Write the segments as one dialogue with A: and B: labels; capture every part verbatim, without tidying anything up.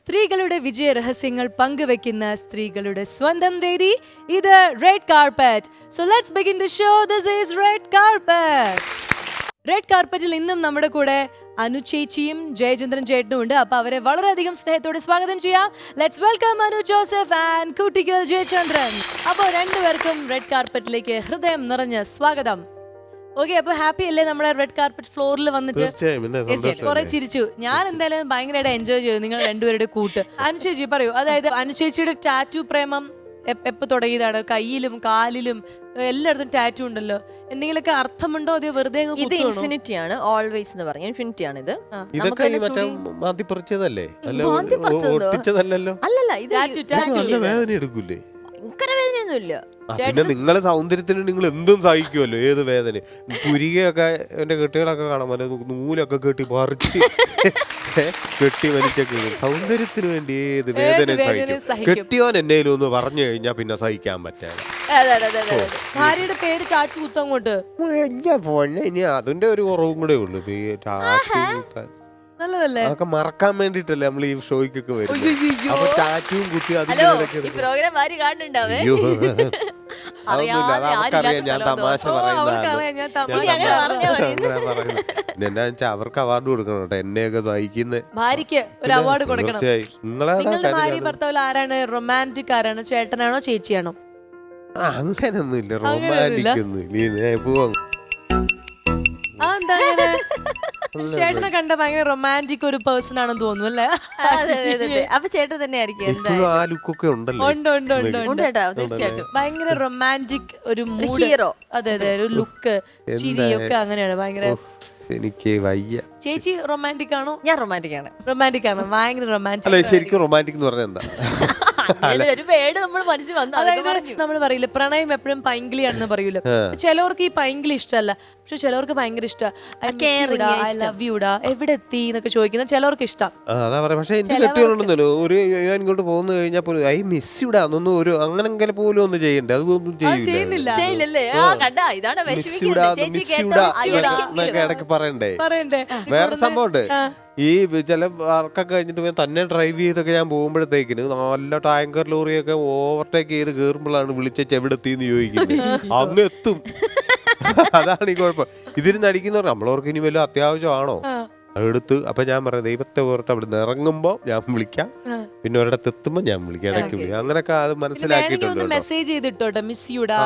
A: സ്ത്രീകളുടെ വിജയ രഹസ്യങ്ങൾ പങ്കുവെക്കുന്ന സ്ത്രീകളുടെ സ്വന്തം വേദി ഇത് red carpet. So let's begin the show. This is red carpet. Red കാർപ്പറ്റിൽ ഇന്നും നമ്മുടെ കൂടെ അനു ചേച്ചിയും ജയചന്ദ്രൻ ചേട്ടനും ഉണ്ട്. അപ്പൊ അവരെ വളരെയധികം സ്നേഹത്തോടെ സ്വാഗതം ചെയ്യാം. Let's welcome Anu Joseph and കുട്ടികൾ ജയചന്ദ്രൻ. അപ്പോൾ രണ്ടുപേർക്കും റെഡ് കാർപ്പറ്റിലേക്ക് ഹൃദയം നിറഞ്ഞ സ്വാഗതം. ഓക്കെ, അപ്പൊ ഹാപ്പി അല്ലേ നമ്മുടെ റെഡ് കാർപ്പറ്റ് ഫ്ലോറിൽ വന്നിട്ട്? കുറെ ചിരിച്ചു. ഞാൻ എന്തായാലും ഭയങ്കരമായിട്ട് എൻജോയ് ചെയ്തു നിങ്ങൾ രണ്ടുപേരുടെ കൂട്ട്. അനു ചേച്ചി പറയൂ, അതായത് അനു ചേച്ചിയുടെ ടാറ്റു പ്രേമം എപ്പോ തുടങ്ങിയതാണ്? കയ്യിലും കാലിലും എല്ലായിടത്തും ടാറ്റു ഉണ്ടല്ലോ. എന്തെങ്കിലുമൊക്കെ അർത്ഥമുണ്ടോ? അതോ വെറുതെ?
B: ഇത് ഇൻഫിനിറ്റി ആണ്, ഓൾവേസ് എന്ന് പറഞ്ഞു. ഇൻഫിനിറ്റി ആണ് ഇത്.
C: ഇതൊക്കെ
B: അല്ലല്ല, ഇത്
C: വേദന എടുക്കൂലേ?
B: ഭയങ്കര വേദനയൊന്നുമില്ല.
C: പിന്നെ നിങ്ങളെ സൗന്ദര്യത്തിന് നിങ്ങൾ എന്തും സഹിക്കുമല്ലോ, ഏത് വേദന. പുരികയൊക്കെ എന്റെ കെട്ടികളൊക്കെ കാണാൻ പറ്റും, നൂലൊക്കെ കെട്ടി പറിച്ച് കെട്ടി വലിച്ചൊക്കെ സൗന്ദര്യത്തിന് വേണ്ടി ഏത് വേദന സഹിക്കും. കെട്ടിയോൻ എന്നേലും ഒന്ന് പറഞ്ഞു കഴിഞ്ഞാൽ പിന്നെ സഹിക്കാൻ പറ്റാതെ.
A: ഭാര്യയുടെ പേര് ചാച്ചു കുത്തങ്ങോട്ട്
C: ഇനി അതിന്റെ ഒരു കുറവും കൂടെ ഉള്ളു.
A: നല്ലതല്ലേ?
C: അതൊക്കെ മറക്കാൻ വേണ്ടിട്ടല്ലേ നമ്മൾ ഈ ഷോയ്ക്കൊക്കെ വരും. അപ്പൊ ടാറ്റുവും കുത്തി
B: പ്രോഗ്രാം ആര് കാണുന്നുണ്ടാവേ?
C: അതൊന്നുമില്ല, അത് അവർക്കറിയാം ഞാൻ തമാശ പറയുന്നതാണ്. എന്നാ വെച്ചാൽ അവർക്ക് അവാർഡ് കൊടുക്കണം കേട്ടോ, എന്നെയൊക്കെ സഹിക്കുന്ന
A: ഭാര്യക്ക് ഒരു അവാർഡ് കൊടുക്കണം. നിങ്ങളുടെ ഭാര്യ
C: നിങ്ങളെ
A: ഭർത്താവിൽ ആരാണ് റൊമാൻറ്റിക്? ആരാണ്? ചേട്ടനാണോ ചേച്ചിയാണോ?
C: അങ്ങനൊന്നും ഇല്ല, റൊമാൻറ്റിക് ഒന്നും ഇല്ല. പോവാ
A: ചേട്ടനെ കണ്ട ഭയങ്കര റൊമാൻറ്റിക് ഒരു പേഴ്സൺ ആണെന്ന് തോന്നുന്നു അല്ലേ?
B: അപ്പൊ ചേട്ടൻ തന്നെ ആയിരിക്കും.
C: ആ ലുക്കൊക്കെ ഉണ്ടല്ലോ.
A: ഉണ്ട് ഉണ്ട് ഉണ്ട് ഉണ്ട്
B: തീർച്ചയായിട്ടും.
A: ഭയങ്കര റൊമാൻറ്റിക് ഒരു ഹീറോ. അതെ അതെ, ഒരു ലുക്ക് ചിരിയൊക്കെ അങ്ങനെയാണ്. ഭയങ്കര
C: എനിക്ക് വയ്യ.
A: ചേച്ചി റൊമാൻറ്റിക് ആണോ?
B: ഞാൻ റൊമാൻറ്റിക് ആണ്.
A: റൊമാൻറ്റിക് ആണ്, ഭയങ്കര റൊമാൻറ്റിക്.
C: അല്ല, ശരിക്കും റൊമാൻറ്റിക് എന്ന് പറഞ്ഞാൽ എന്താ?
B: ഒരു വേർഡ് നമ്മൾ മനസ്സിൽ വന്നു.
A: അതായത് നമ്മൾ പറയില്ല പ്രണയം എപ്പോഴും പൈങ്കിളിയാണെന്ന് പറയൂല്ലോ. ചിലവർക്ക് ഈ പൈങ്കിളി ഇഷ്ടമല്ല, പക്ഷെ ചിലവർക്ക് ഭയങ്കര ഇഷ്ടമാണ്. ഐ ലവ് യുടാ, എവിടെ എത്തി എന്നൊക്കെ ചോദിക്കുന്ന ചിലവർക്ക് ഇഷ്ടം.
C: അതാ പറയാ. പക്ഷെ എനിക്ക് കെട്ടിയുണ്ടെന്നല്ലോ, ഒരു ഞാൻ ഇങ്ങോട്ട് പോകുന്ന കഴിഞ്ഞാൽ പോലും ഐ മിസ് യുടാ എന്നൊന്നും ഒരു അങ്ങനെ പോലും ഒന്നും ചെയ്യണ്ടേ? അതൊന്നും
A: ചെയ്യുന്നില്ല.
C: ഇടയ്ക്ക് പറയണ്ടേ?
A: പറയണ്ടേ?
C: വേറെ സംഭവം ഉണ്ട്. ഈ ചില വർക്കൊക്കെ കഴിഞ്ഞിട്ട് തന്നെ ഡ്രൈവ് ചെയ്തൊക്കെ ഞാൻ പോകുമ്പോഴത്തേക്കിന് നല്ല ടാങ്കർ ലോറിയൊക്കെ ഓവർടേക്ക് ചെയ്ത് കയറുമ്പോഴാണ് വിളിച്ച എവിടെത്തിന്ന് ചോദിക്കുന്നത്. അങ്ങ് എത്തും. അതാണ് ഈ കുഴപ്പം. ഇതിരുന്ന് അടിക്കുന്നവർ നമ്മളവർക്ക് ഇനി വല്ല അത്യാവശ്യമാണോ എടുത്ത്. അപ്പൊ ഞാൻ പറയാം, ദൈവത്തെ ഓർത്ത് അവിടെ നിന്ന് ഇറങ്ങുമ്പോ ഞാൻ വിളിക്കാം, പിന്നെ ഒരിടത്ത് എത്തുമ്പോ ഞാൻ വിളിക്കാം, ഇടയ്ക്ക് വിളിക്കാം. അങ്ങനെയൊക്കെ അത് മനസ്സിലാക്കിയിട്ടുണ്ട്.
A: മെസ്സേജ് ചെയ്തിട്ടോട്ടെ, മിസ് യുടാ,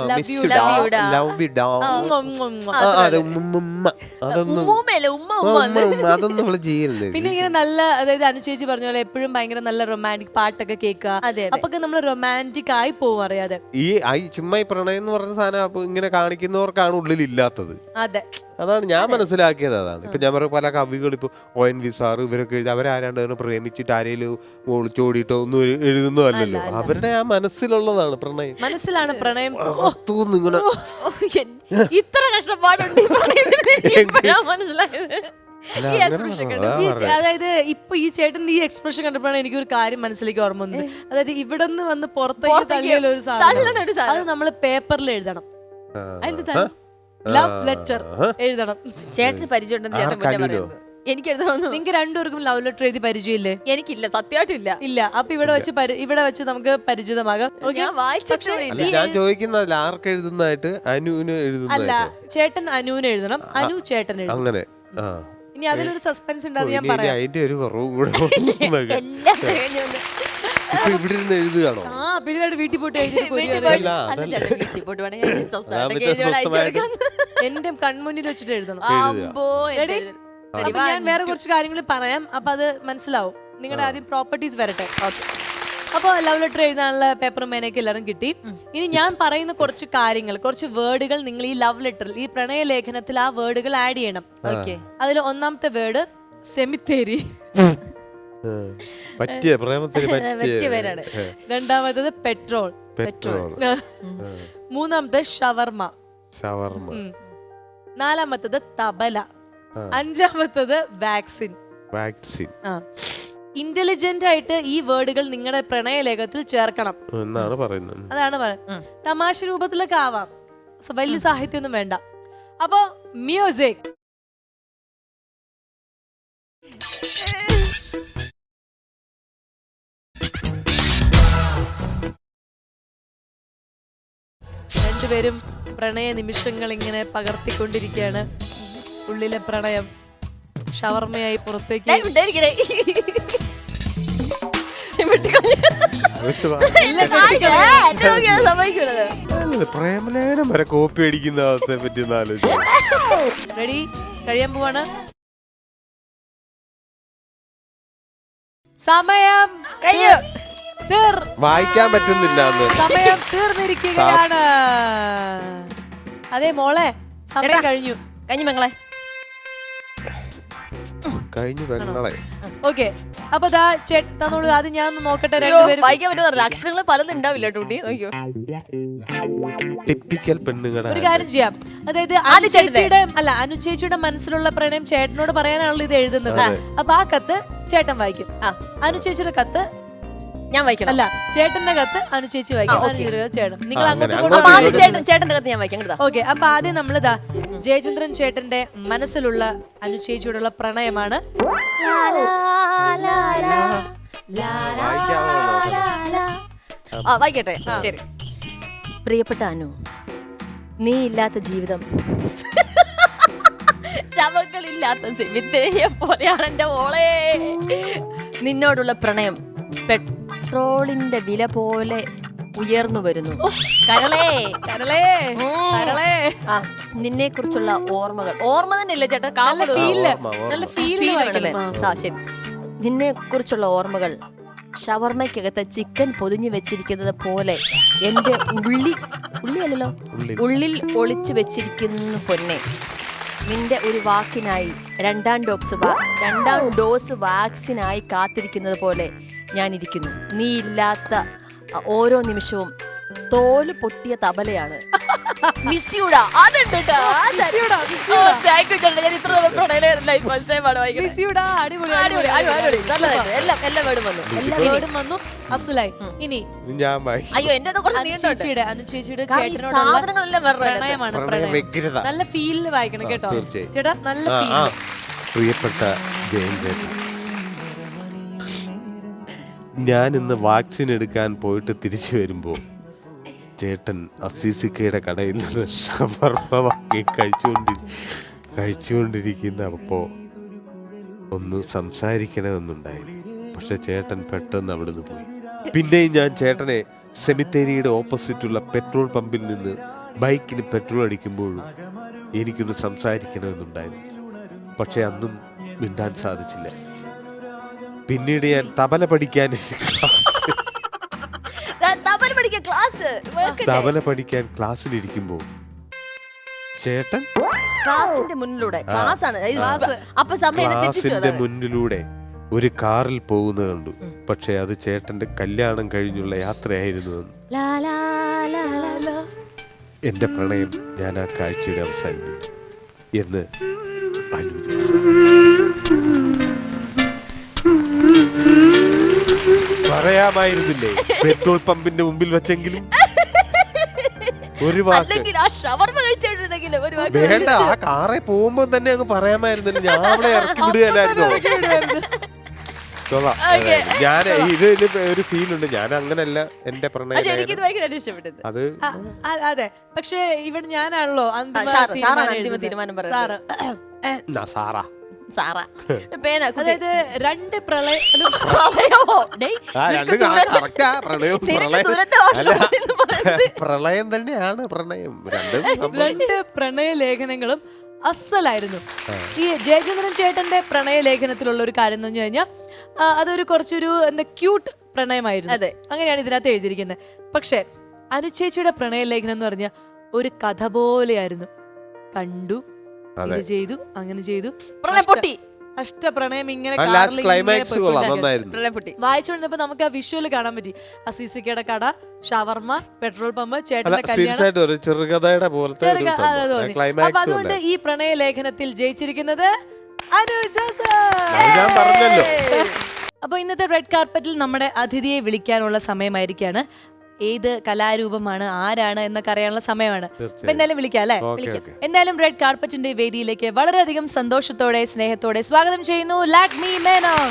C: അതൊന്നും നമ്മള് ചെയ്യുന്നില്ല.
A: പിന്നെ ഇങ്ങനെ നല്ല, അതായത് അനുചേച്ചി പറഞ്ഞ പോലെ എപ്പോഴും ഭയങ്കര നല്ല റൊമാൻറ്റിക് പാട്ടൊക്കെ കേൾക്കുക. അപ്പൊ നമ്മൾ റൊമാൻറ്റിക് ആയി പോവും അറിയാതെ.
C: ഈ ചുമ്മാ ഈ പ്രണയം എന്ന് പറഞ്ഞ സാധനം ഇങ്ങനെ കാണിക്കുന്നവർക്കാണ് ഉള്ളിൽ ഇല്ലാത്തത്.
A: അതെ,
C: അതാണ് ഞാൻ മനസ്സിലാക്കിയത്. അതാണ് ഇപ്പൊ ഞാൻ പറഞ്ഞ പല കവികൾ ഇപ്പൊ ഒ എൻ വി സാർ ഇവരൊക്കെ എഴുതി, അവരാരാണ്ട് പ്രേമിച്ചിട്ട് ആരെയും ഒളിച്ചോടിയിട്ടോ ഒന്നും എഴുതുന്നതല്ലല്ലോ. അവരുടെ ആ മനസ്സിലുള്ളതാണ് പ്രണയം.
A: മനസ്സിലാണ് പ്രണയം.
C: ഇങ്ങനെ
B: ഇത്ര കഷ്ടപ്പാടുണ്ട് മനസ്സിലായത്.
A: അതായത് ഇപ്പൊ ഈ ചേട്ടന്റെ ഈ എക്സ്പ്രഷൻ കണ്ടപ്പോഴാണ് എനിക്കൊരു കാര്യം മനസ്സിലേക്ക് ഓർമ്മ വന്നത്. അതായത് ഇവിടെ നിന്ന് വന്ന് പുറത്തേക്ക് തള്ളിയുള്ള ഒരു സാധനം, അത് നമ്മള് പേപ്പറിൽ എഴുതണം. ലവ് ലെറ്റർ എഴുതണം.
B: ചേട്ടന് പരിചയമുണ്ടെന്ന് ചേട്ടൻ മുന്നേ പറയുന്നു. എനിക്ക് എഴുതണമെന്ന്.
A: നിങ്ങൾക്ക് രണ്ടുപേർക്കും ലവ് ലെറ്റർ എഴുതി പരിചയമില്ലേ?
B: എനിക്കില്ല, സത്യമായിട്ടില്ല.
A: ഇല്ല. അപ്പൊ ഇവിടെ വെച്ച് ഇവിടെ വെച്ച് നമുക്ക് പരിചിതമാകാം.
C: ഞാൻ ചോദിക്കുന്നത് ആർക്ക് എഴുതുന്നതായിട്ട്? അനുവിന് എഴുതുന്ന?
A: അല്ല, ചേട്ടൻ അനുവിന് എഴുതണം, അനു ചേട്ടൻ എഴുതണം.
C: അങ്ങനെ.
A: ഇനി അതിലൊരു സസ്പെൻസ് ഉണ്ടാകും, ഞാൻ പറയാം.
C: അതിന്റെ ഒരു കുറവും കൂടെ ഇവിടെ ഇരുന്ന് എഴുതുകയാണോ?
A: ആ, പിന്നീട് വീട്ടിൽ പോയിട്ട് എന്റെ കൺമുന്നിൽ വെച്ചിട്ട് എഴുതണം. അപ്പൊ ഞാൻ വേറെ കുറച്ച് കാര്യങ്ങൾ പറയാം, അപ്പൊ അത് മനസ്സിലാവും. നിങ്ങളുടെ ആദ്യം പ്രോപ്പർട്ടീസ് വരട്ടെ. ഓക്കെ, അപ്പോൾ ലവ് ലെറ്റർ എഴുതാനുള്ള പേപ്പറും പേനയൊക്കെ എല്ലാവരും കിട്ടി. ഇനി ഞാൻ പറയുന്ന കുറച്ച് കാര്യങ്ങൾ, കുറച്ച് വേർഡുകൾ നിങ്ങൾ ഈ ലവ് ലെറ്ററിൽ, ഈ പ്രണയ ലേഖനത്തിൽ ആ വേർഡുകൾ ആഡ് ചെയ്യണം. ഓക്കെ, അതിൽ ഒന്നാമത്തെ വേർഡ് സെമിത്തേരി.
C: പറ്റിയ പ്രേമത്തിന് പറ്റിയ.
A: രണ്ടാമത്തത് പെട്രോൾ.
C: പെട്രോൾ.
A: മൂന്നാമത്തെ ഷവർമ.
C: ഷവർമ.
A: നാലാമത്തത് തബല. അഞ്ചാമത്തത് വാക്സിൻ.
C: വാക്സിൻ.
A: ഇന്റലിജന്റ് ആയിട്ട് ഈ വേർഡുകൾ നിങ്ങളുടെ പ്രണയലേഖത്തിൽ ചേർക്കണം
C: എന്നാണ് പറയുന്നത്.
A: അതാണ് പറയുന്നത്. തമാശ രൂപത്തിലൊക്കെ ആവാം, വലിയ സാഹിത്യമൊന്നും വേണ്ട. അപ്പൊ മ്യൂസിക്. രണ്ടുപേരും പ്രണയ നിമിഷങ്ങൾ ഇങ്ങനെ പകർത്തിക്കൊണ്ടിരിക്കുകയാണ്. ഉള്ളിലെ പ്രണയം ഷവർമയായി പുറത്തേക്ക്
C: പ്രേമലേഖനം വരെ കോപ്പി അടിക്കുന്ന അവസ്ഥയെ പറ്റി ഒന്ന് ആലോചിച്ചു.
A: റെഡി? കഴിയാൻ പോവാണ്. സമയം കഴിഞ്ഞു.
C: വായിക്കാൻ പറ്റുന്നില്ല.
A: സമയം തീർന്നിരിക്കുകയാണ്. അതെ മോളെ, സമയം കഴിഞ്ഞു.
B: കഴിഞ്ഞു മങ്ങളെ,
C: കഴിഞ്ഞു പെങ്ങളെ.
A: ഓക്കെ, അപ്പൊ ദാ ചേട്ടൻ തന്നോളൂ. ആദ്യം ഞാൻ ഒന്ന് നോക്കട്ടെ. രണ്ടുപേരും
B: വായിക്കാൻ പറ്റുന്ന അക്ഷരങ്ങൾ പലതും ഉണ്ടാവില്ല ടൂട്ടി. നോക്കിയോ,
C: ടിപ്പിക്കൽ പെണ്ണുങ്ങളുടെ.
A: ഒരു കാര്യം ചെയ്യാം, അതായത് അനു ചേച്ചിയുടെ അല്ല അനു ചേച്ചിയുടെ മനസ്സിലുള്ള പ്രണയം ചേട്ടനോട് പറയാനാണല്ലോ ഇത് എഴുതുന്നത്. അപ്പൊ ആ കത്ത് ചേട്ടൻ വായിക്കും. അനു ചേച്ചിയുടെ കത്ത്
B: ഞാൻ വായിക്കണം.
A: അല്ല, ചേട്ടന്റെ കത്ത് അനു ചേച്ചി വായിക്കും. അനു ചേച്ചിയുടെ ചേട്ടൻ. നിങ്ങൾ അങ്ങോട്ടും
B: ചേട്ടന്റെ കത്ത് ഞാൻ വായിക്കാം.
A: ഓക്കെ, അപ്പൊ ആദ്യം നമ്മളിതാ ജയചന്ദ്രൻ ചേട്ടന്റെ മനസ്സിലുള്ള അനു ചേച്ചിയോടുള്ള പ്രണയമാണ്.
B: വായിക്കട്ടെ, ശരി. പ്രിയപ്പെട്ട അനു, നീ ഇല്ലാത്ത ജീവിതം ശവങ്ങളില്ലാത്ത സെമിത്തേരിയെ പോലെയാണ് എന്റെ മോളെ. നിന്നോടുള്ള പ്രണയം പെട്രോളിന്റെ വില പോലെ ഉയർന്നു വരുന്നു. കരളേ
A: കരളേ കരളേ.
B: ആ, നിന്നെ കുറിച്ചുള്ള ഓർമ്മകൾ. ഓർമ്മ തന്നെയല്ലേ ചേട്ടാ?
A: നല്ല ഫീല്, നല്ല ഫീല്.
B: ആ ശരി. നിന്നെ കുറിച്ചുള്ള ഓർമ്മകൾ ഷവർമയ്ക്കകത്ത് ചിക്കൻ പൊതിഞ്ഞു വെച്ചിരിക്കുന്നത് പോലെ എന്റെ ഉള്ളി ഉള്ളിയല്ലോ ഉള്ളിൽ ഒളിച്ചു വെച്ചിരിക്കുന്നു പൊന്നെ. നിന്റെ ഒരു വാക്കിനായി രണ്ടാം ഡോസ് രണ്ടാം ഡോസ് വാക്സിനായി കാത്തിരിക്കുന്നത് പോലെ ഞാൻ ഇരിക്കുന്നു. നീ ഇല്ലാത്ത ഓരോ നിമിഷവും തോല് പൊട്ടിയ തബലയാണ്. മിസ്യൂടാ അതുണ്ട് കേട്ടോ.
A: ഇനി
B: അയ്യോ എന്റെ
A: ചേച്ചിയുടെ അനു ചേച്ചിയുടെ ചേട്ടനോടുള്ള പ്രണയമാണ്. പ്രണയം നല്ല ഫീലില് വായിക്കണം കേട്ടോ ചേട്ടാ, നല്ല ഫീൽ.
C: പ്രിയപ്പെട്ട ജയൻ, ഞാൻ ഇന്ന് വാക്സിൻ എടുക്കാൻ പോയിട്ട് തിരിച്ചു വരുമ്പോൾ ചേട്ടൻ അസീസിക്കയുടെ കടയിൽ നിന്ന് ഷവർമ വാങ്ങി കഴിച്ചുകൊണ്ടി കഴിച്ചുകൊണ്ടിരിക്കുന്ന അപ്പോൾ ഒന്ന് സംസാരിക്കണമെന്നുണ്ടായിരുന്നു. പക്ഷെ ചേട്ടൻ പെട്ടെന്ന് അവിടുന്ന് പോയി. പിന്നെയും ഞാൻ ചേട്ടനെ സെമിത്തേരിയുടെ ഓപ്പോസിറ്റുള്ള പെട്രോൾ പമ്പിൽ നിന്ന് ബൈക്കിന് പെട്രോൾ അടിക്കുമ്പോഴും എനിക്കൊന്ന് സംസാരിക്കണമെന്നുണ്ടായിരുന്നു. പക്ഷെ അന്നും മിണ്ടാൻ സാധിച്ചില്ല. പിന്നീട് ഞാൻ തബല പഠിക്കാൻ തബല പഠിക്കാൻ ക്ലാസ്സിലിരിക്കുമ്പോൾ ചേട്ടൻ
B: ക്ലാസിന്റെ മുന്നിലൂടെ ക്ലാസിന്റെ
C: മുന്നിലൂടെ ഒരു കാറിൽ പോകുന്നത് കണ്ടു. പക്ഷെ അത് ചേട്ടന്റെ കല്യാണം കഴിഞ്ഞുള്ള യാത്രയായിരുന്നു. എന്റെ പ്രണയം ഞാൻ ആ കാഴ്ചയുടെ അവസാനിപ്പിച്ചു എന്ന് അനു പറയാമായിരുന്നില്ലേ? പെട്രോൾ പമ്പിന്റെ മുമ്പിൽ വെച്ചെങ്കിലും ഒരു വാക്ക് വേണ്ട. ആ കാറെ പോകുമ്പോ തന്നെ അങ്ങ് പറയാമായിരുന്നില്ല. ഞാൻ അവിടെ ഇറക്കി വിടുകയല്ലായിരുന്നോ? ഞാൻ ഇതിൽ ഒരു ഫീൽ ഉണ്ട്. ഞാൻ അങ്ങനല്ല എന്റെ പ്രണയം. അത്
A: അതെ, പക്ഷെ ഇവിടെ ഞാനാണല്ലോ തീരുമാനം സാറ്
C: സാറാ
A: അതായത് രണ്ട് പ്രളയം
C: പ്രളയം തന്നെയാണ് പ്രണയം.
A: രണ്ട് പ്രണയ ലേഖനങ്ങളും അസലായിരുന്നു. ഈ ജയചന്ദ്രൻ ചേട്ടന്റെ പ്രണയ ലേഖനത്തിലുള്ള ഒരു കാര്യം എന്ന് പറഞ്ഞു കഴിഞ്ഞാൽ അതൊരു കുറച്ചൊരു എന്താ ക്യൂട്ട് പ്രണയമായിരുന്നു. അങ്ങനെയാണ് ഇതിനകത്ത് എഴുതിയിരിക്കുന്നത്. പക്ഷെ അനുചേച്ചിയുടെ പ്രണയ ലേഖനം എന്ന് പറഞ്ഞാൽ ഒരു കഥ പോലെയായിരുന്നു. കണ്ടു, ഇത് ചെയ്തു, അങ്ങനെ ചെയ്തു, അഷ്ടപ്രണയം ഇങ്ങനെ വായിച്ചുകൊണ്ടിരുന്നപ്പോ നമുക്ക് ആ വിഷ്വല് കാണാൻ പറ്റി. അസീസിക്കയുടെ കട, ഷവർമ, പെട്രോൾ പമ്പ്, ചേട്ടന്റെ കല്യാണം,
C: ചെറുകഥയുടെ പോലത്തെ.
A: അപ്പൊ അതുകൊണ്ട് ഈ പ്രണയ ലേഖനത്തിൽ ജയിച്ചിരിക്കുന്നത് അപ്പൊ ഇന്നത്തെ റെഡ് കാർപ്പറ്റിൽ നമ്മുടെ അതിഥിയെ വിളിക്കാനുള്ള സമയമായിരിക്കാണ്. ഏത് കലാരൂപമാണ്, ആരാണ് എന്നൊക്കെ അറിയാനുള്ള സമയമാണ്. അപ്പൊ എന്തായാലും വിളിക്കാം അല്ലെ? എന്തായാലും റെഡ് കാർപ്പറ്റിന്റെ വേദിയിലേക്ക് വളരെയധികം സന്തോഷത്തോടെ സ്നേഹത്തോടെ സ്വാഗതം ചെയ്യുന്നു ലാക്മി മേനോൻ.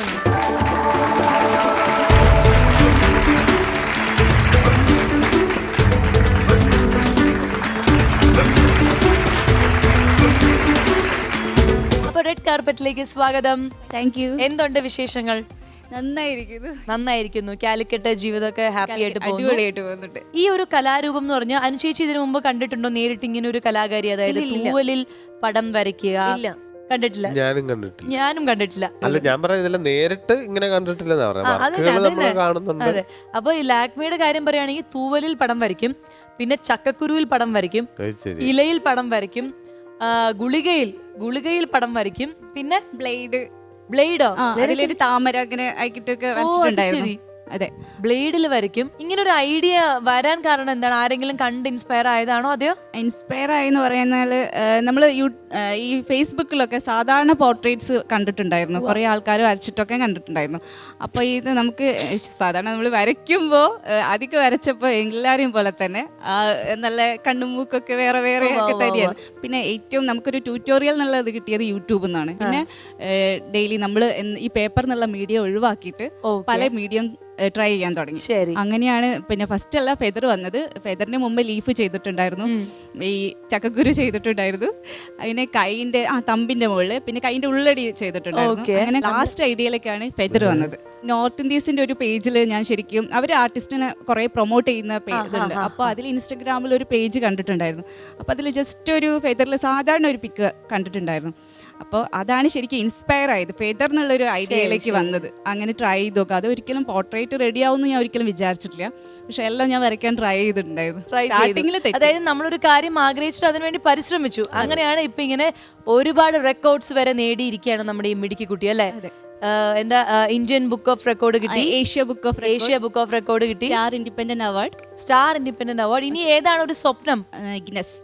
A: കാർപ്പറ്റിലേക്ക് സ്വാഗതം.
D: Thank you.
A: എന്തുണ്ട് വിശേഷങ്ങൾ?
D: നന്നായിരിക്കുന്നു.
A: നന്നായിരിക്കുന്നു. കാലിക്കറ്റ് ജീവിതമൊക്കെ ഹാപ്പി ആയിട്ട്
D: അടിപൊളിയായിട്ട് പോകുന്നുണ്ട്.
A: ഈ ഒരു കലാരൂപം എന്ന് പറഞ്ഞാൽ അനുചേച്ചി ഇതിനു മുമ്പ് കണ്ടിട്ടുണ്ടോ നേരിട്ട് ഇങ്ങനെ ഒരു കലാകാരി, അതായത് തൂവലിൽ പടം വരയ്ക്കുക?
B: ഇല്ല,
A: കണ്ടിട്ടില്ല.
C: ഞാനും കണ്ടിട്ടില്ല.
A: ഞാനും കണ്ടിട്ടില്ല.
C: അല്ല, ഞാൻ പറയുന്നില്ല, നേരിട്ട് ഇങ്ങനെ കണ്ടിട്ടില്ലെന്നാ പറയുന്നത്.
A: അതെ. അപ്പൊ ഈ ലാക്മിയുടെ കാര്യം പറയുകയാണെങ്കിൽ തൂവലിൽ പടം വരയ്ക്കും, പിന്നെ ചക്കക്കുരുവിൽ പടം വരയ്ക്കും, ഇലയിൽ പടം വരയ്ക്കും, ഗുളികയിൽ ഗുളികയിൽ പടം വരയ്ക്കും, പിന്നെ
D: ബ്ലേഡ്
A: ബ്ലേഡോ
D: അതിലൊരു താമര അങ്ങനെ ആക്കിട്ടൊക്കെ വരച്ചിട്ടുണ്ടായിരുന്നു. അതെ,
A: ബ്ലേഡിൽ വരയ്ക്കും. ഇങ്ങനെ ഒരു ഐഡിയ വരാൻ കാരണം എന്താണ്? ആരെങ്കിലും കണ്ട് ഇൻസ്പയർ ആയതാണോ അതെയോ?
D: ഇൻസ്പയർ ആയെന്ന് പറയുന്നാല് നമ്മൾ ഈ ഫേസ്ബുക്കിലൊക്കെ സാധാരണ പോർട്രേറ്റ്സ് കണ്ടിട്ടുണ്ടായിരുന്നു, കുറേ ആൾക്കാർ വരച്ചിട്ടൊക്കെ കണ്ടിട്ടുണ്ടായിരുന്നു. അപ്പോൾ ഇത് നമുക്ക് സാധാരണ നമ്മൾ വരയ്ക്കുമ്പോൾ അധികം വരച്ചപ്പോൾ എല്ലാവരെയും പോലെ തന്നെ നല്ല കണ്ണുമൂക്കൊക്കെ വേറെ വേറെ ഒക്കെ തന്നെയാണ്. പിന്നെ ഏറ്റവും നമുക്കൊരു ട്യൂട്ടോറിയൽ എന്നുള്ളത് കിട്ടിയത് യൂട്യൂബിൽ നിന്നാണ്. പിന്നെ ഡെയിലി നമ്മൾ ഈ പേപ്പർ എന്നുള്ള മീഡിയം ഒഴിവാക്കിയിട്ട് പല മീഡിയം ട്രൈ ചെയ്യാൻ തുടങ്ങി. അങ്ങനെയാണ് പിന്നെ ഫസ്റ്റ് അല്ല ഫെദർ വന്നത്. ഫെദറിന് മുമ്പ് ലീഫ് ചെയ്തിട്ടുണ്ടായിരുന്നു, ഈ ചക്കക്കുരു ചെയ്തിട്ടുണ്ടായിരുന്നു, അതിനെ കൈന്റെ ആ തമ്പിന്റെ മുകളിൽ, പിന്നെ കൈന്റെ ഉള്ളടി ചെയ്തിട്ടുണ്ടായിരുന്നു. അങ്ങനെ ലാസ്റ്റ് ഐഡിയയിലേക്കാണ് ഫെദർ വന്നത്. നോർത്ത് ഇന്ത്യൻസിന്റെ ഒരു പേജിൽ ഞാൻ ശരിക്കും അവർ ആർട്ടിസ്റ്റിനെ കുറെ പ്രൊമോട്ട് ചെയ്യുന്ന പേജുണ്ട്. അപ്പോൾ അതിൽ ഇൻസ്റ്റഗ്രാമിൽ ഒരു പേജ് കണ്ടിട്ടുണ്ടായിരുന്നു. അപ്പോൾ അതിൽ ജസ്റ്റ് ഒരു ഫെദറിൽ സാധാരണ ഒരു പിക്ക് കണ്ടിട്ടുണ്ടായിരുന്നു. അപ്പോൾ അതാണ് ശരിക്കും ഇൻസ്പയർ ആയത്, ഫെദർ എന്നുള്ളൊരു ഐഡിയയിലേക്ക് വന്നത്. അങ്ങനെ ട്രൈ ചെയ്ത് നോക്കുക. അത് ഒരിക്കലും പോർട്രേറ്റ് റെഡി ആവുമെന്ന് ഞാൻ ഒരിക്കലും വിചാരിച്ചിട്ടില്ല, പക്ഷെ എല്ലാം ഞാൻ വരയ്ക്കാൻ ട്രൈ ചെയ്തിട്ടുണ്ടായിരുന്നു.
A: അതായത് നമ്മളൊരു കാര്യം ആഗ്രഹിച്ചിട്ട് അതിനുവേണ്ടി പരിശ്രമിച്ചു. അങ്ങനെയാണ് ഇപ്പൊ ഇങ്ങനെ ഒരുപാട് റെക്കോർഡ്സ് വരെ നേടിയിരിക്കുകയാണ് നമ്മുടെ ഈ മിടുക്കി കുട്ടി, അല്ലേ? എന്താ ഇന്ത്യൻ ബുക്ക് ഓഫ് റെക്കോർഡ് കിട്ടി,
D: Asia book of
A: Asia book of record കിട്ടി,
D: star independent award
A: star independent award. ഇനി ഏതാണ് ഒരു സ്വപ്നം?
D: ഗിന്നസ്.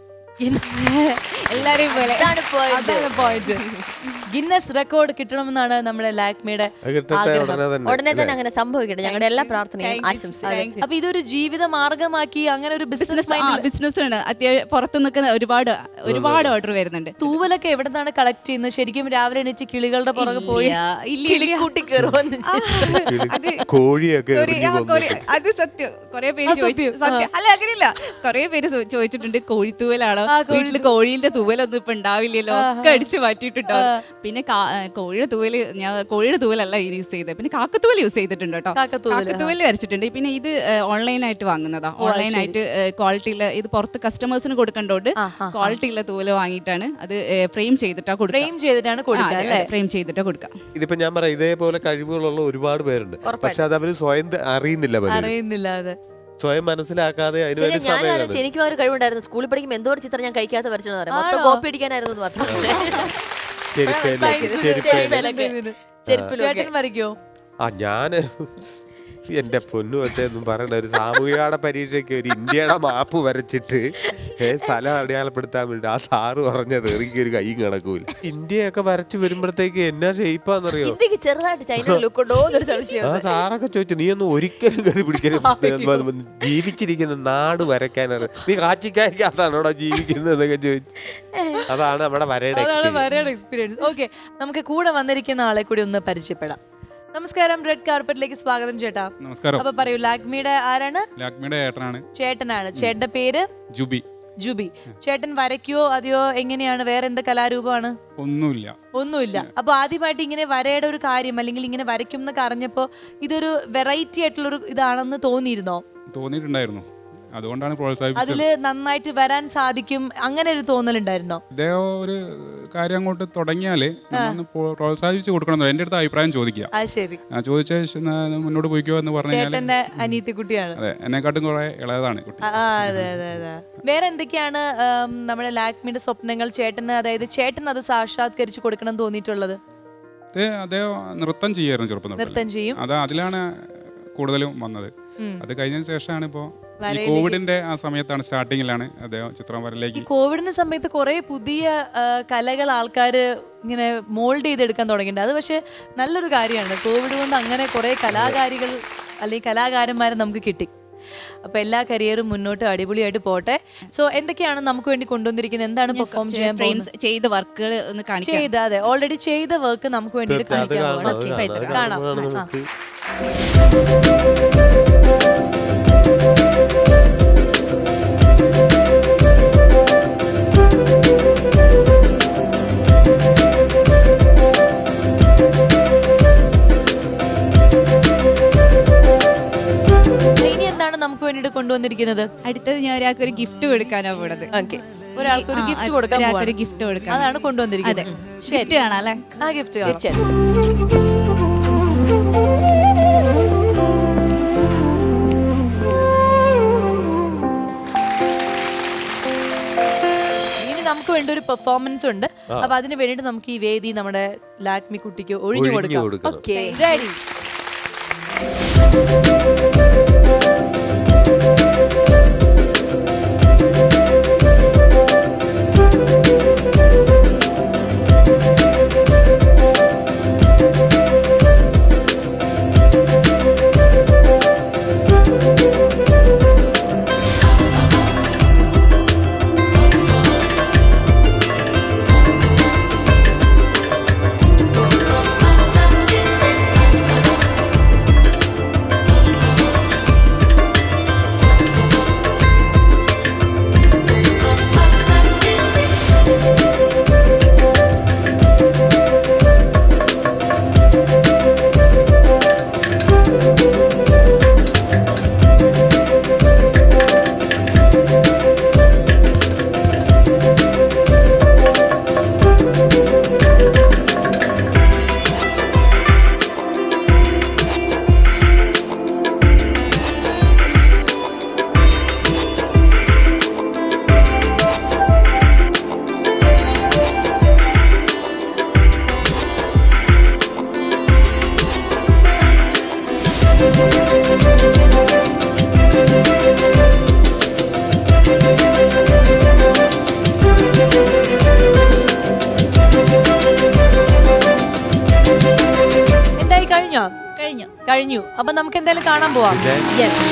D: എല്ലാരെയും പോലെ
A: പോയിന്റ്. ഗിന്നസ് റെക്കോർഡ് കിട്ടണമെന്നാണ് നമ്മുടെ ലാക്മിയുടെ ആഗ്രഹം.
B: ഉടനെ തന്നെ അങ്ങനെ സംഭവിക്കട്ടെ, ഞങ്ങളുടെ എല്ലാ പ്രാർത്ഥനയും ആശംസിക്കും.
A: അപ്പൊ ഇതൊരു ജീവിത മാർഗമാക്കി അങ്ങനെ ഒരു ബിസിനസ്
D: ബിസിനസ് ആണ്. അത്യാവശ്യം പുറത്തു നിൽക്കുന്ന ഒരുപാട് ഒരുപാട് ഓർഡർ വരുന്നുണ്ട്.
A: തൂവലൊക്കെ എവിടെ നിന്നാണ് കളക്ട് ചെയ്യുന്നത്? ശരിക്കും രാവിലെ എണീറ്റ് കിളികളുടെ പുറകെ പോയി കിളിക്കൂട്ടി കയറുമെന്ന്
C: കോഴിയൊക്കെ
D: അത് സത്യം. കുറെ പേര് സത്യം അല്ല അങ്ങനെയില്ല, കുറെ പേര് ചോദിച്ചിട്ടുണ്ട് കോഴിത്തൂവലാണോ, വീട്ടില് കോഴിയുടെ തൂവലൊന്നും ഇപ്പൊ ഉണ്ടാവില്ലല്ലോ, ഒക്കെ അടിച്ചു മാറ്റിയിട്ടുണ്ടോ. പിന്നെ കോഴിയുടെ തൂവല് ഞാൻ കോഴിയുടെ തൂവലല്ല യൂസ് ചെയ്തത്, പിന്നെ കാക്കത്തൂവൽ യൂസ് ചെയ്തിട്ടുണ്ട് കേട്ടോ. കാക്കത്തൂവൽ വരച്ചിട്ടുണ്ട്. പിന്നെ ഇത് ഓൺലൈനായിട്ട് വാങ്ങുന്നതാ, ഓൺലൈനായിട്ട് ക്വാളിറ്റിയുള്ള, ഇത് പുറത്ത് കസ്റ്റമേഴ്സിന് കൊടുക്കേണ്ടോണ്ട് ക്വാളിറ്റിയുള്ള തൂവല് വാങ്ങിയിട്ടാണ് അത് ഫ്രെയിം ചെയ്തിട്ടാ കൊടുക്കുക.
A: ഫ്രെയിം ചെയ്തിട്ടാണ് കൊടുക്കുക
D: ഫ്രെയിം ചെയ്തിട്ടാ കൊടുക്കുക.
C: ഇതിപ്പോ ഞാൻ പറയാം, ഇതേപോലെ കഴിവുകളുള്ള ഒരുപാട് പേരുണ്ട്, പക്ഷെ അത് അവര് സ്വയം അറിയുന്നില്ല അറിയുന്നില്ല
A: അതെ
C: സ്വയം മനസ്സിലാക്കാതെ
B: ഞാൻ എനിക്കും ഒരു കഴിവുണ്ടായിരുന്നു. സ്കൂളിൽ പഠിക്കുമ്പോൾ എന്തോ ഒരു ചിത്രം ഞാൻ കഴിക്കാത്ത വരച്ചെന്ന് പറയാം, കോപ്പി അടിക്കാനായിരുന്നു എന്ന് പറഞ്ഞു.
A: വരയ്ക്കോ?
C: ആ ഞാന് എന്റെ പൊന്നു വെച്ചൊന്നും പറയണ്ട, ഒരു സാമൂഹികയുടെ പരീക്ഷയ്ക്ക് ഒരു ഇന്ത്യയുടെ മാപ്പ് വരച്ചിട്ട് സ്ഥലം അടയാളപ്പെടുത്താൻ വേണ്ടി ആ സാറ് പറഞ്ഞത് എനിക്കൊരു കൈ കിടക്കൂല. ഇന്ത്യയൊക്കെ വരച്ചു വരുമ്പോഴത്തേക്ക് എന്നാ ഷെയ്പ്പാന്നറിയോ, ആ സാറൊക്കെ ചോദിച്ചു നീ ഒന്നും ഒരിക്കലും കരുതി പിടിക്കരുത്, ജീവിച്ചിരിക്കുന്ന നാട് വരയ്ക്കാനറിയ, നീ കാച്ചിക്കാരിക്കാത്താണോടാ ജീവിക്കുന്നതൊക്കെ ചോദിച്ചു. അതാണ് നമ്മുടെ വരയുടെ
A: എക്സ്പീരിയൻസ്. ഓക്കെ, നമുക്ക് കൂടെ വന്നിരിക്കുന്ന ആളെ കൂടി ഒന്ന് പരിചയപ്പെടാം. നമസ്കാരം, റെഡ് കാർപ്പറ്റിലേക്ക് സ്വാഗതം ചേട്ടാ.
E: നമസ്കാരം.
A: അപ്പൊ പറയൂ, ലാക്മിയുടെ ആരാണ്?
E: ലാക്മിയുടെ ഏട്ടനാണ്.
A: ചേട്ടനാണ്. ചേട്ടന്റെ പേര്?
E: ജുബി.
A: ജുബി. ചേട്ടൻ വരയ്ക്കോ അതെയോ എങ്ങനെയാണ്? വേറെ എന്ത് കലാരൂപമാണ്?
E: ഒന്നുമില്ല.
A: ഒന്നുമില്ല. അപ്പൊ ആദ്യമായിട്ട് ഇങ്ങനെ വരയുടെ ഒരു കാര്യം അല്ലെങ്കിൽ ഇങ്ങനെ വരയ്ക്കും എന്നൊക്കെ അറിഞ്ഞപ്പോ ഇതൊരു വെറൈറ്റി ആയിട്ടുള്ളൊരു ഇതാണെന്ന് തോന്നിയിരുന്നോ?
E: തോന്നിയിട്ടുണ്ടായിരുന്നു, അതുകൊണ്ടാണ് പ്രോത്സാഹിപ്പിച്ചത്.
A: അതില് നന്നായിട്ട് വരാൻ സാധിക്കും അങ്ങനെ ഒരു തോന്നലുണ്ടായിരുന്നോ?
E: ഇദ്ദേഹം ഒരു കാര്യം അങ്ങോട്ട് തുടങ്ങിയാല് പ്രോത്സാഹിപ്പിച്ച് കൊടുക്കണം, എന്റെ അടുത്ത് അഭിപ്രായം ചോദിക്കുക. ചോദിച്ച മുന്നോട്ട് പോയിക്കോ എന്ന് പറഞ്ഞാൽ
A: അനിയത്തി കുട്ടിയാണ്.
E: അതെ, എന്നെക്കാട്ടും കുറെ ഇളയതാണ് കുട്ടി.
A: അതെ അതെ അതെ. വേറെ എന്തൊക്കെയാണ് നമ്മുടെ ലാക്മിയുടെ സ്വപ്നങ്ങൾ? ചേട്ടന്, അതായത് ചേട്ടൻ അത് സാക്ഷാത്കരിച്ച് കൊടുക്കണം തോന്നിയിട്ടുള്ളത്?
E: അദ്ദേഹം നൃത്തം ചെയ്യായിരുന്നു ചെറുപ്പം.
A: നൃത്തം ചെയ്യും.
E: അത് അതിലാണ് കൂടുതലും വന്നത്. അത് കഴിഞ്ഞതിന് ശേഷമാണ് ഇപ്പോ കോവിഡിന്റെ ആ സമയത്താണ്, സ്റ്റാർട്ടിങ്ങിലാണ് അദ്ദേഹം ചിത്രം വരയിലേക്ക്.
A: കോവിഡിന്റെ സമയത്ത് കുറെ പുതിയ കലകൾ ആൾക്കാര് ഇങ്ങനെ മോൾഡ് ചെയ്തെടുക്കാൻ തുടങ്ങിയിട്ടുണ്ട്. അത് പക്ഷെ നല്ലൊരു കാര്യമാണ്. കോവിഡ് കൊണ്ട് അങ്ങനെ കുറെ കലാകാരികൾ അല്ലെങ്കിൽ കലാകാരന്മാരെ നമുക്ക് കിട്ടി. അപ്പൊ എല്ലാ കരിയറും മുന്നോട്ട് അടിപൊളിയായിട്ട് പോട്ടെ. സോ എന്തൊക്കെയാണ് നമുക്ക് വേണ്ടി കൊണ്ടുവന്നിരിക്കുന്നത്? എന്താണ് പെർഫോം ചെയ്യാൻ
D: ചെയ്ത വർക്കുകൾ ഒന്ന് കാണിക്കാം.
A: ചെയ്ത അതെ ഓൾറെഡി ചെയ്ത വർക്ക് നമുക്ക് വേണ്ടിയിട്ട് കാണിക്കാൻ കാണാം. നമുക്ക് വേണ്ടിട്ട് കൊണ്ടുവന്നിരിക്കുന്നത്?
D: അടുത്തത് ഞാൻ ഒരാൾക്ക് ഒരു ഗിഫ്റ്റ് കൊടുക്കാനാ പോണത്.
B: ഓക്കെ,
A: ഒരാൾക്ക് ഒരു ഗിഫ്റ്റ് കൊടുക്കാൻ
D: ഒരാൾക്ക്
A: പോവാണ്.
D: ഒരു ഗിഫ്റ്റ് കൊടുക്കാൻ.
A: അതാണ് കൊണ്ടുവന്നിരിക്കുന്നത്. ശരി,
D: ഗിഫ്റ്റ് കാണാം അല്ലേ?
A: ആ ഗിഫ്റ്റ് കാണാം.
B: തീർച്ചയായിട്ടും.
A: ഇനി നമുക്ക് വേണ്ട ഒരു പെർഫോമൻസ് ഉണ്ട്. അപ്പൊ അതിന് വേണ്ടിട്ട് നമുക്ക് ഈ വേദി നമ്മുടെ ലാക്മി കുട്ടിക്ക് ഒഴിഞ്ഞു
C: ഒഴിഞ്ഞു
A: കൊടുക്കാം.
C: കൊടുക്കണം.
B: Okay,
A: ready?
D: കഴിഞ്ഞു.
A: കഴിഞ്ഞു. അപ്പൊ നമുക്ക് എന്തായാലും കാണാൻ പോവാം. യെസ്.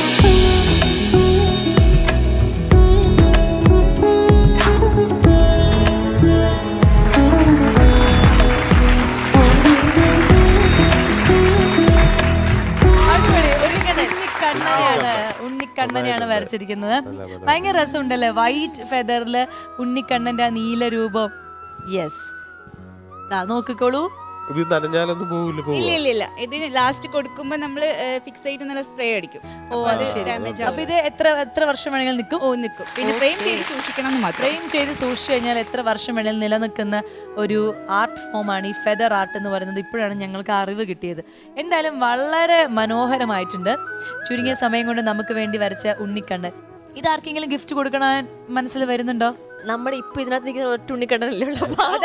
A: ഉണ്ണിക്കണ്ണനെയാണ് ഉണ്ണിക്കണ്ണനെയാണ് വരച്ചിരിക്കുന്നത്. ഭയങ്കര രസമുണ്ടല്ലേ, വൈറ്റ് ഫെദറില് ഉണ്ണിക്കണ്ണന്റെ ആ നീല രൂപം. യെസ്, നോക്കിക്കോളൂ.
C: ഇത് നനഞ്ഞാലൊന്നും പോവില്ല.
D: ഇല്ല ഇല്ല ഇല്ല ഇതിന് ലാസ്റ്റ് കൊടുക്കുമ്പോ നമ്മള് ഫിക്സ് ആയിട്ട് നല്ല സ്പ്രേ അടിക്കും.
A: ഓ അത് ശരി. അപ്പൊ ഇത് എത്ര എത്ര വർഷം വേണമെങ്കിലും നിൽക്കും?
D: ഓ നിൽക്കും. പിന്നെ ഫ്രെയിം ചെയ്ത് സൂക്ഷിക്കണം എന്ന് മാത്രം.
A: ഫ്രെയിം ചെയ്ത് സൂക്ഷിച്ചു കഴിഞ്ഞാൽ എത്ര വർഷം വേണമെങ്കിലും നിലനിൽക്കുന്ന ഒരു ആർട്ട് ഫോമാണ് ഈ ഫെദർ ആർട്ട് എന്ന് പറയുന്നത്. ഇപ്പോഴാണ് ഞങ്ങൾക്ക് അറിവ് കിട്ടിയത്. എന്തായാലും വളരെ മനോഹരമായിട്ടുണ്ട്. ചുരുങ്ങിയ സമയം കൊണ്ട് നമുക്ക് വേണ്ടി വരച്ച ഉണ്ണിക്കണ്ണൻ. ഇതാർക്കെങ്കിലും ഗിഫ്റ്റ് കൊടുക്കാൻ മനസ്സിൽ വരുന്നുണ്ടോ?
B: നമ്മുടെ ഇപ്പൊ ഇതിനകത്ത് നിൽക്കുന്ന ഒറ്റ ഉണ്ണിക്കണ്ണനല്ലേ ഉള്ളൂ.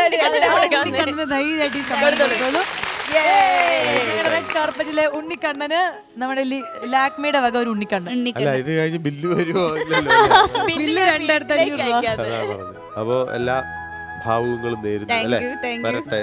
A: റെഡ് കാർപ്പറ്റിലെ ഉണ്ണിക്കണ്ണന് നമ്മുടെ ലാക്മിയുടെ വക ഒരു ഉണ്ണിക്കണ്ണൻ.
C: അല്ല, ഇത് കഴിഞ്ഞ് ബില്ല് വരുമോ?
A: ബില്ല് രണ്ടായിരത്തി അഞ്ഞൂറ് രൂപ.
C: അപ്പോ എല്ലാ ഭാവുകങ്ങളും നേരുന്നു അല്ലെ. വരട്ടെ.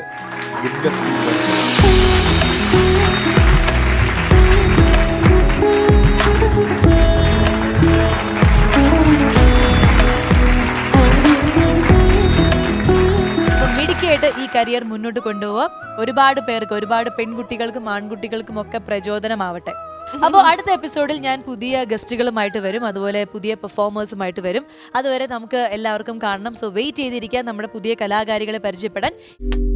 C: മിടുക്കിയായിട്ട് ഈ കരിയർ മുന്നോട്ട് കൊണ്ടുപോവാം. ഒരുപാട് പേർക്ക്, ഒരുപാട് പെൺകുട്ടികൾക്കും ആൺകുട്ടികൾക്കും ഒക്കെ പ്രചോദനമാവട്ടെ. അപ്പോൾ അടുത്ത എപ്പിസോഡിൽ ഞാൻ പുതിയ ഗസ്റ്റുകളുമായിട്ട് വരും, അതുപോലെ പുതിയ പെർഫോമേഴ്സുമായിട്ട് വരും. അതുവരെ നമുക്ക് എല്ലാവർക്കും കാണണം. സോ വെയിറ്റ് ചെയ്തിരിക്കാൻ നമ്മുടെ പുതിയ കലാകാരികളെ പരിചയപ്പെടാൻ.